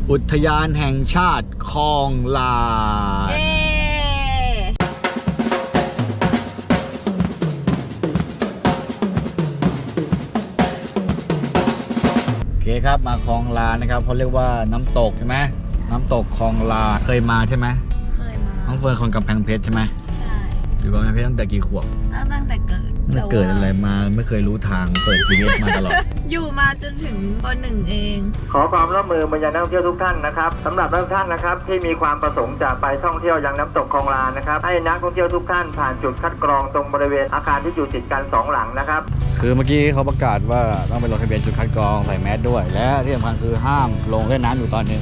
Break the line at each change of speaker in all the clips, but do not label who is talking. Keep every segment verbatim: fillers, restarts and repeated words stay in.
อุทยานแห่งชาติคลองลานโอเคครับมาคลองลานนะครับเขาเรียกว่าน้ำตกใช่ไหมน้ำตกคลองลานเคยมาใช่ไหม
เคยมา
น้องเฟิร์นคนกำแพงเพชรใช่ไหม
ใช่
อยู่กำแพงเพชรตั้งแต่กี่ขวบ
ตั้งแต่เกิด
ไม่เกิดอะไรมาไม่เคยรู้ทางเปิด จี พี เอส มาตลอด
อยู่มาจนถึงป.หนึ่ง เอง
ขอความร่วมมือมายังนักท่องเที่ยวทุกท่านนะครับสำหรับทุกท่านนะครับที่มีความประสงค์จะไปท่องเที่ยวยังน้ำตกคลองลานนะครับให้นักท่องเที่ยวทุกท่านผ่านจุดคัดกรองตรงบริเวณอาคารที่อยู่ติดกันสองหลังนะครับ
คือเมื่อกี้เขาประกาศว่าต้องไปลงทะเบียนจุดคัดกรองใส่แมสด้วยและที่สำคัญคือห้ามลงเล่นน้ำอยู่ตอนนี้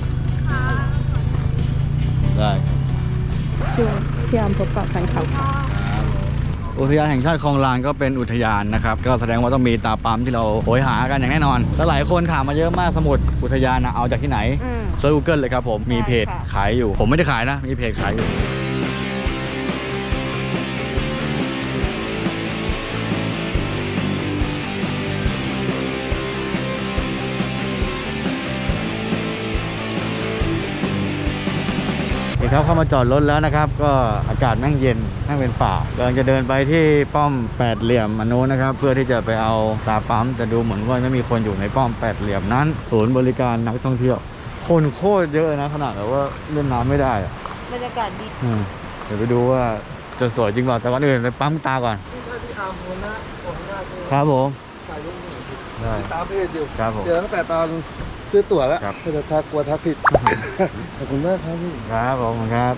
ได้
ช่วงพยายามพบปะแฟนคลับ
อุทยานแห่งชาติคลองลานก็เป็นอุทยานนะครับก็แสดงว่าต้องมีตาปั๊มที่เราโหยหากันอย่างแน่นอนแล้วหลายคนถามมาเยอะมากสมุดอุทยานนะเอาจากที่ไหนเซิร์ช Google เลยครับผมมีเพจขายอยู่ผมไม่ได้ขายนะมีเพจขายอยู่ครับเข้ามาจอดรถแล้วนะครับก็อากาศแม่งเย็นแม่งเป็นป่ากำลังจะเดินไปที่ป้อมแปดเหลี่ยมอันนู้นนะครับเพื่อที่จะไปเอาตาปั๊มแต่ดูเหมือนว่าไม่มีคนอยู่ในป้อมแปดเหลี่ยมนั้นศูนย์บริการนักท่องเที่ยวคนโคตรเยอะนะขนาดแบบว่าเล่นน้ำไม่ได้อะ
บรรยากาศดี
เดี๋ยวไปดูว่าจะสวยจริงเปล่าแต่ก่อนอื่นไปปั๊มตาก่อนครับผมได้
ตามเพจอยู่
ครับผม
เจอตั้งแต่ตอนซื้อตั๋วแล้วแต่ทักกลัวทักผิดขอบคุณมากครับพี่
ครับผมครับ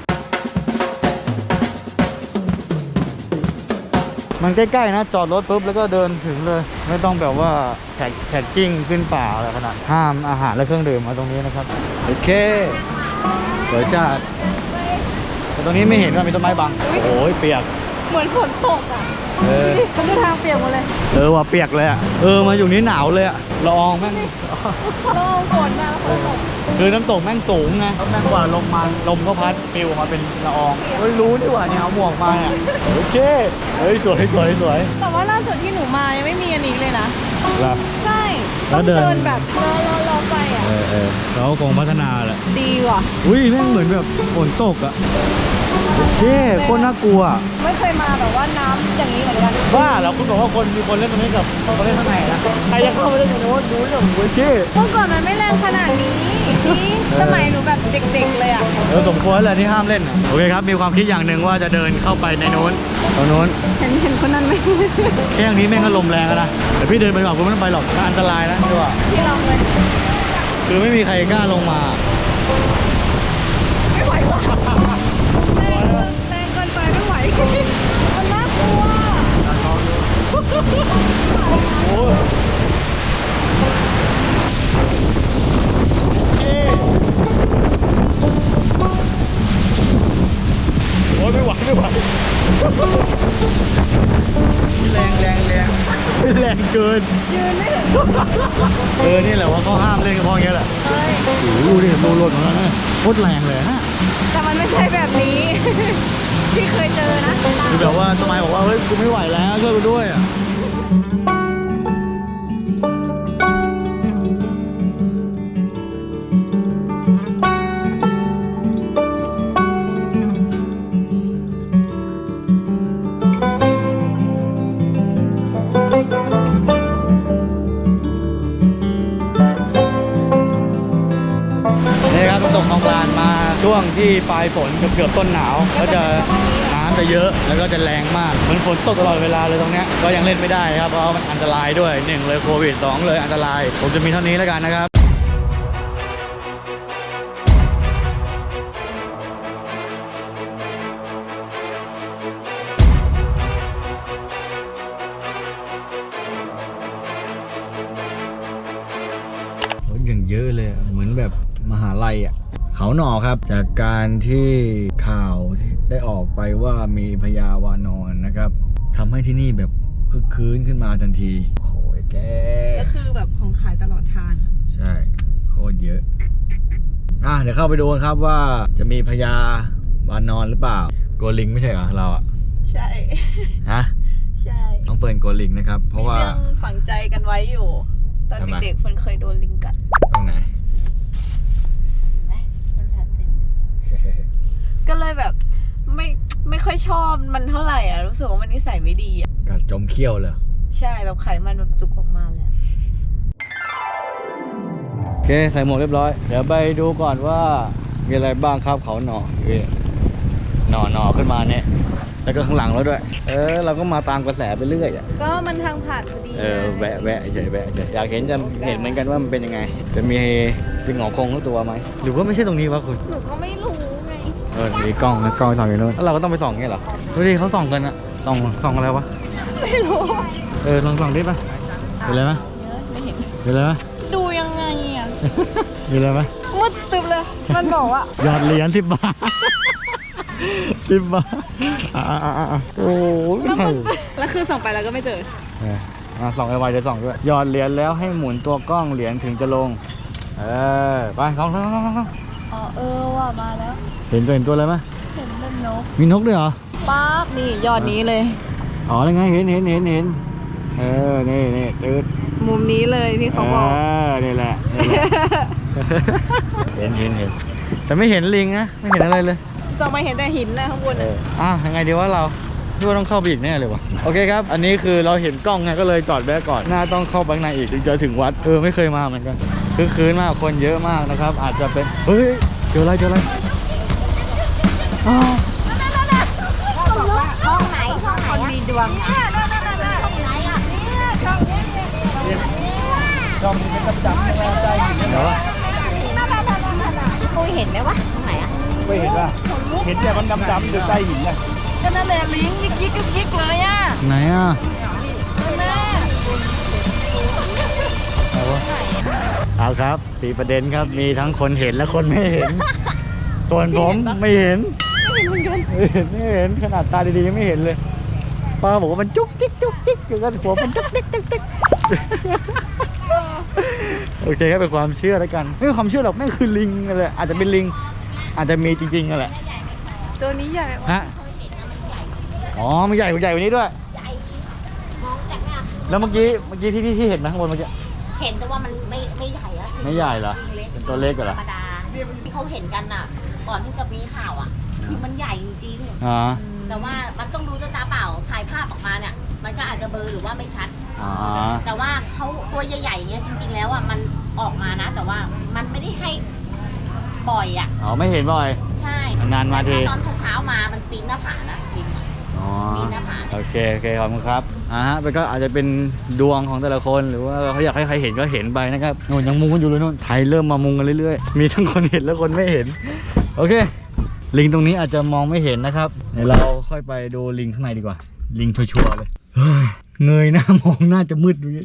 มันใกล้ๆนะจอดรถปุ๊บแล้วก็เดินถึงเลยไม่ต้องแบบว่าแท็กแท็กกิ้งขึ้นป่าอะไรขนาดห้ามอาหารและเครื่องดื่มมาตรงนี้นะครับโอเคสวยจัดแต่ตรงนี้ไม่เห็นว่ามีต้นไม้บังโอ้ยเปียก
เหมือนฝนตกอ่ะ
เออ
มันจะทางเปียกหมดเลย
เออว่าเปียกเลยอ่ะเออมาอยู่นี้หนาวเลยอ่ะละอองแม่ง
ละอองฝนมาฝนตก
คือน้ำตกแม่งสูงไงแม่งกว่าลมมาลมก็พัดปิวออกมาเป็นละอองเฮ้ยรู้ดีว่าเนี่ยเอาหมวกมาอ่ะโอเคเฮ้ยสวยสวยสวย
แต่ว่าล่าสุดที่หนูมายังไม่มีอันนี้เลยนะใช่
แล้วเดิน
แบบรอรอรอไปอ่ะ
เออเออเขาคงพัฒนาแหละ
ดีว่ะ
อุ้ยแม่งเหมือนแบบฝนตกอ่ะโอเคโคตรน่ากลัว
ไม่เคยมาแบบว่าน้ำอย่างนี้เหมือนกัน
บ้าแล้วคุณบอกว่าคนมีคนเล่นตรงนี้กับคนเล่นข้างในนะใครจะเข้าไปเล่นตรงนู้นดูเรื่องโอเค
เมื่อก่อนมันไม่แรงขนาดนี้นี่สมัยหนูแบบเด็กๆเลยอ่ะ
เออสมควรเลยที่ห้ามเล่นโอเคครับมีความคิดอย่างหนึ่งว่าจะเดินเข้าไปในนู้นตรงนู้น
เห็นเห็นคนนั้นไหม
แค่นี้แม่งก็ลมแรงแล้วนะแต่พี่เดินไปก่อนคุณไม่ต้องไปหรอกอันตรายนะพี่ว่า
พี่ลองเลย
คือไม่มีใครกล้าลงมา
ไม่ไหวว่ะแรงเกินไปไม่ไหวมันน่ากลัว
โอ้ยโอ้ยไม่ไหวไม่ไหวแรงแรงแรงแรงเกิน
ยืนไม่ถึง
เออนี่แหละว่าเขาห้ามเล่นกับพ่ออย่างเงี้ยแหละโอ้โหดูดิโดนรถของเราเนี่ยโคตรแรงเลยฮะ
แต่มันไม่ใช่แบบนี้ที่เคยเจอนะ
คือแบบว่าสมัยบอกว่าเฮ้ยกูไม่ไหวแล้วช่วยกูด้วยอ่ะตกคลองลานมาช่วงที่ปลายฝนเกือบๆต้นหนาวก็จะน้ำจะเยอะแล้วก็จะแรงมากมันฝนตกตลอดเวลาเลยตรงเนี้ยก็ยังเล่นไม่ได้ครับเพราะมันอันตรายด้วยหนึ่งเลยโควิดสองเลยอันตรายผมจะมีเท่านี้แล้วกันนะครับอย่างเยอะเลยเหมือนแบบมหาลัยอ่ะเขาหน่อครับจากการที่ข่าวได้ออกไปว่ามีพญาวานอนนะครับทำให้ที่นี่แบบคึกคืนขึ้นมาทันทีโอ้ยแก
ก็คือแบบของขายตลอดทาง
ใช่โคตรเยอะอ่ะเดี๋ยวเข้าไปดูกันครับว่าจะมีพญาวานอนหรือเปล่าโกลิงไม่ใช่เหรอเราอ่ะ
ใช่
ฮะ
ใช่
ต้องเฟิร์นโกลิงนะครับเพราะว่า
เรื่องฝังใจกันไว้อยู่ตอนเด็กๆเฟิร์นเคยโดนลิงกัด
ตรงไหน
ชอบมันเท่าไหร่อ่ะรู้สึกว่ามันนิสัยไม่ดีอ่ะ
กัดจมเขี้ยวเลย
ใช่แบบไขมันแบบจุกออกมาเลย
โอเคใส่หมวกเรียบร้อยเดี๋ยวไปดูก่อนว่ามีอะไรบ้างครับเขาหน่อเอ้ยหน่อหน่อขึ้นมาเนี่ยแล้วก็ข้างหลังเราด้วย เออเราก็มาตามกระแสไปเรื่อยอ่ะ
ก็มันทางผ่านพอดี
เออแวะแวะเฉยแวะเฉยอยากเห็นจะเห็นเหมือนกันว่ามันเป็นยังไง จะมีจิงหงอคงทั้งตัวไหมหรือว่าไม่ใช่ตรงนี้วะคุณ
หนูก็ไม่รู้ไง
เออมีกล้องนะกล้องส่องอยู่นู้นแล้วเราก็ต้องไปส่องเงี้ยเหรอดูดิเขาส่องกันอะส่องส่องอะไรวะ
ไม่รู้
เออลองส่องดิป่ะเห็นอะไรไหม
ไม่เห็น
เห็นอะไรไหม
ดูยังไงอ่ะ
มีอะไรไหม
มืดตึบเลย มันบอกว่า
หยอดเหรียญสิบบาทสิบบาทอ่าอ่าอ่าโอ้ย
แล้วคือส่องไปแล้วก็ไม่เจอ
เอออ่ะส่องไอ้ไวจะส่องด้วยหยอดเหรียญแล้วให้หมุนตัวกล้องเหรียญถึงจะลงเออไปส่องส่องส่องส่อง
อ๋อเออว่ามาแล้ว
เห็นตัวเห็นตัวอะไรไหม
เห็นเป็นนก
มีนกด้วยเหรอ
ป๊าบนี่ยอดนี้เลย
อ๋อยังไงเห็นเห็นเห็นเห็นเออนี่นี่ตืด
มุมนี้เลยที่เขาบอก
เออนี่แหละนี่แหละ เห็นเห็นเห็นแต่ไม่เห็นลิงนะไม่เห็นอะไรเลย
ส่องมาเห็นแต่หินนะข้างบน
เอ
น่ะ
ออ่ะยังไงดีว่าเราพี่ว่าต้องเข้าไปอีกแน่เลยวะโอเคครับ อันนี้คือเราเห็นกล้องไงก็เลยจอดแวะก่อนน่าต้องเข้าไปข้างในอีกถึงจะถึงวัดเออไม่เคยมาเหมือนกันคือคืนมากคนเยอะมากนะครับ อาจจะเป็นเฮ้ยเจออะไรเจออะไรอ้าว
ห้องไหนห้องไหนคนมีดวงเนี่ยนั่นนั่นนั่นห้องไหนอ่ะเนี่ยช่องเนี้ยเนี่ย
จอมเป็นประจำไม่ใจเดี๋ยว
คุยเห็นไหมวะตรงไหนอ่ะ
ไม่เห็นป่ะเห็นแต่มันดำๆอยู่ใต้หินนะ
ก็นั่นแหละลิงยิกยิกยิกยิกเลยอ่ะ
ไหนอ่ะ
แม่
เอาวะเอาครับตีประเด็นครับมีทั้งคนเห็นและคนไม่เห็นส่วนผมไม่เห็น
ไม่เห็นเหมือนกัน
ไม่เห็นไม่เห็นขนาดตาดีๆยังไม่เห็นเลยป้าบอกว่ามันจุกจิกจุกจิกอยู่กันหัวมันจุกจิกจุกจิกโอเคครับเป็นความเชื่อแล้วกันไม่ใช่ความเชื่อหรอกนั่นคือลิงนั่นแหละอาจจะเป็นลิงอาจจะมีจริงๆนั่นแหละ
ตัวนี้ใหญ่
ฮะอ๋อมันใหญ่กว่าใหญ่กว่านี้ด้วย
มองจากเนี่ย
แล้วเมื่อกี้เมื่อกี้ที่ที่ที่เห็นไหมข้างบนเมื่อกี้
เห็นแต่ว่ามันไม่ไม่ใหญ่อะ
ไม่ใหญ่เหรอเป็นตัวเล็ก
ธร
เหรอ
รมดาที่เขาเห็นกันน่ะ ก่อนที่จะมีข่าวอ่ะ คือมันใหญ่จริง
อ๋อ
ๆแต่ว่ามันต้องดูด้วยตาเปล่าถ่ายภาพออกมาเนี่ย มันก็อาจจะเบลอหรือว่าไม่ชัด
อ๋อ
แต่ว่าเขาตัวใหญ่ๆอย่างเงี้ยจริง ๆ แล้วอ่ะมันออกมานะ แต่ว่ามันไม่ได้ให้ปล่อยอ่ะ
อ๋อไม่เห็นบ่อย
ใช่
นานมาที
แต่ตอนเช้าๆมามันปีนหน้าผานะปีน
อ๋อ
มีหน้าผาก
โอเคโอเคขอบคุณครับอ่าฮะมันก็อาจจะเป็นดวงของแต่ละคนหรือว่าเขาอยากให้ใครเห็นก็เห็นไปนะครับโน่นยังมุงกันอยู่เลยนู่นไทยเริ่มมามุงกันเรื่อยๆมีทั้งคนเห็นและคนไม่เห็นโอเคลิงตรงนี้อาจจะมองไม่เห็นนะครับเดี๋ยวเราค่อยไปดูลิงข้างในดีกว่าลิงชัวร์ๆเลยเฮ้ยเงยหน้ามองหน้าจะมืดอยู่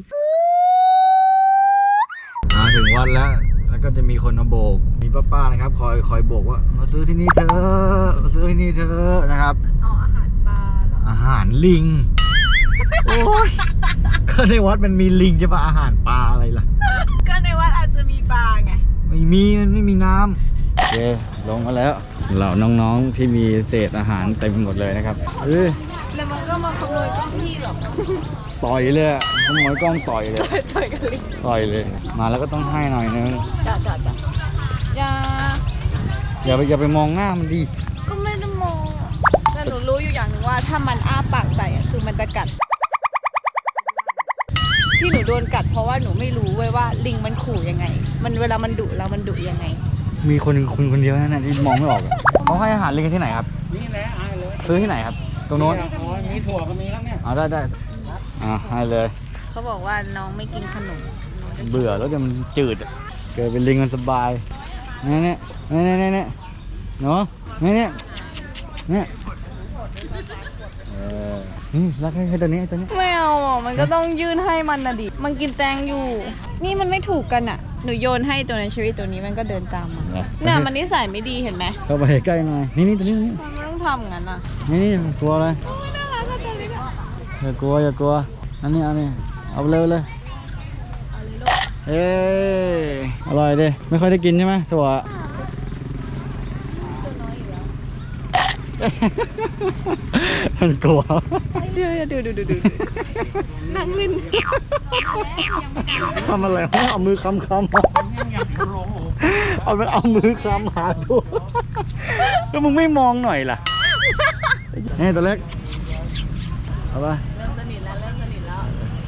มาถึงวัดแล้วแล้วก็จะมีคนมาโบกมีป้าๆนะครับคอยคอยโบกว่ามาซื้อที่นี่เถอะมาซื้อที่นี่เถอะนะครับ
อ๋ออาหารปลาเหรอ
อาหารลิง โอ้ยก็ในวัดมันมีลิงจะมาอาหารปลาอะไรล่ะ
ก็ในวัดอาจจะมีปลาไง
ไม่มีมันไม่มีน้ำโอเคลงมาแล้วเหล่าน้องๆที่มีเศษอาหารเต็มไปหมดเลยนะครับเอ้ย
แล้วมันก็มาขโมยเจ้าที่หรอก
ต่อยเลยอะขโมยกล้องต่อยเลย
ต่อยกันลิง
ต่อยเลย มาแล้วก็ต้องให้หน่อยนึง
จ้าจ้าจ้าอย่า
อย่าไปอย่าไปมองหน้ามันดิ
ก็ไม่ได้มองอะแต่หนูรู้อยู่อย่างหนึ่งว่าถ้ามันอ้าปากใส่อะคือมันจะกัด ที่หนูโดนกัดเพราะว่าหนูไม่รู้เว้ยว่าลิงมันขู่ยังไง มันเวลามันดุแล้วมันดุยังไง
มีคนคุณคนเดียวนั่นนะที่มองไม่ออกอะเขาให้อาหารลิงกันที่ไหนครับนี่แหละให้เลยซื้อที่ไหนครับ ตรงโน้นอ๋อมีถั่วก็มีแล้วเนี่ยอ๋อได้ได้อ่าให้เลย
เขาบอกว่าน้องไม่กินขนม
เบื่อแล้วจะมันจืดอะเกิดเป็นลิงมันสบายเนี่ยเนี่ยเนี่ยเนี่ยเนี่ยเนาะเนี่ยเนี่ยเนี่ยเออนี่รักให้ให้ตัวนี้ให้ตัวนี้
ไม่เอาอ่ะมันก็ต้องยื่นให้มันนะดิ มันกินแตงอยู่ นี่มันไม่ถูกกันอ่ะ หนูโยนให้ตัวในชีวิตตัวนี้มันก็เดินตามมาเนี่ยมันนิสัยไม่ดีเห็นไหม
เข้าไปใกล้หน่อยนี่นี่ตัวนี้ตัวนี้
มันไม่ต้องทำงั้นอ่ะ
นี่นี่กลัวอะไร
น่ารักก็ตัวนี้ก็
อย่ากลัวอย่ากลัวอันนี้อันนี้เอาไปเลยเลยเอ้ยอร่อยดิไม่ค่อยได้กินใช่ไหมถั่ว มันกลัว
เดี๋ยวดูดูดูดูนั่งเล่น
ทำอะไรวะเอามือคำคำเอาไปเอามือคำหาตัวแล้วมึงไม่มองหน่อยล่ะนี่ตัวเล็กเอาไป
เริ่มสนิทแล้วเริ่มสนิทแล้ว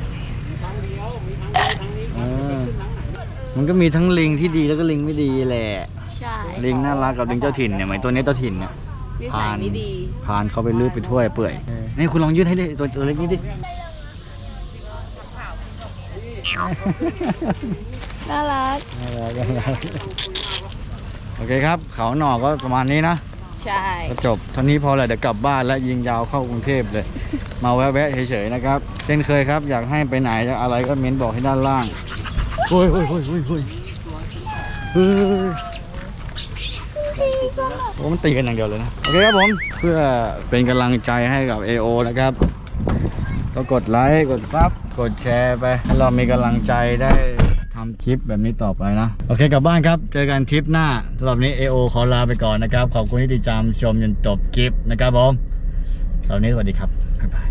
เออมันก็มีทั้งลิงที่ดีแล้วก็ลิงไม่ดีแหละ
ใช่
ลิงน่ารักกับลิงเจ้าถิ่นเนี่ยเหมือนตัวนี้เจ้าถิ่นเนี่ย
นิสัยไม่ดี
พานเขาไปลื้อไปถ้วยเปื่อยนี่คุณลองยืดให้ดิตัวตัวเล็กนี้ดิ
น่ารัก
โอเคครับ เขาหน่อก็ประมาณนี้นะ
ใช่
ก็จบเท่านี้พอแหละเดี๋ยวกลับบ้านแล้วยิงยาวเข้ากรุงเทพเลย มาแวะๆเฉยๆนะครับเช่นเคยครับอยากให้ไปไหนอะไรก็เม้นบอกให้ด้านล่างโอ้ยโอ้ยโอ้ยโอ้ยโอ้ยเฮ้ยโอ้มันตีกันอย่างเดียวเลยนะโอเคครับผมเพื่อเป็นกำลังใจให้กับ เอ โอ นะครับก็กดไลค์กดซับกดแชร์ไปให้เรามีกำลังใจได้ทำคลิปแบบนี้ต่อไปนะโอเคกลับบ้านครับเจอกันทริปหน้าสำหรับนี้ เอ โอ ขอลาไปก่อนนะครับขอบคุณที่ติดตามชมจนจบคลิปนะครับผมสำหรับนี้สวัสดีครับบ๊ายบาย